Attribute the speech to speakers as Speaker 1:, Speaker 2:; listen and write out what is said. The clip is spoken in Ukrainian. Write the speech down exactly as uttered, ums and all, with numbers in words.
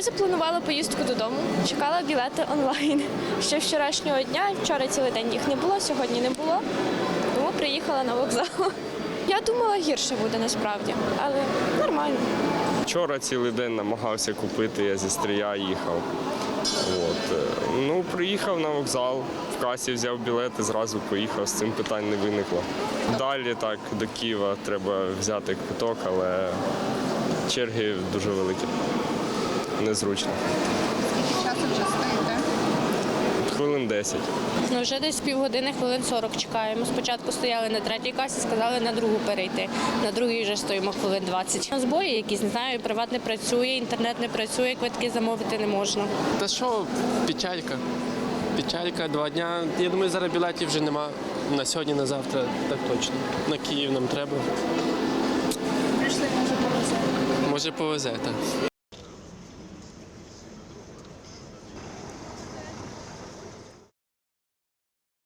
Speaker 1: запланувала поїздку додому, чекала білети онлайн. Ще вчорашнього дня, вчора цілий день їх не було, сьогодні не було, тому приїхала на вокзал. Я думала, гірше буде насправді, але нормально.
Speaker 2: Вчора цілий день намагався купити, я зі Стрия їхав. От. Ну, приїхав на вокзал, в касі взяв білети, зразу поїхав, з цим питань не виникло. Далі так, до Києва треба взяти квиток, але черги дуже великі, незручно.
Speaker 3: Скільки часу вже стоїте?
Speaker 2: Хвилин десять.
Speaker 4: Ну, вже десь півгодини, хвилин сорок чекаємо. Спочатку стояли на третій касі, сказали на другу перейти. На другій вже стоїмо хвилин двадцять. Збої якісь, не знаю, приват не працює, інтернет не працює, квитки замовити не можна.
Speaker 5: Та що, печалька. Печалька, два дня. Я думаю, зараз білетів вже нема. На сьогодні, на завтра, так точно. На Київ нам треба.
Speaker 3: Прийшли, може, повезе.
Speaker 5: Може повезе, так.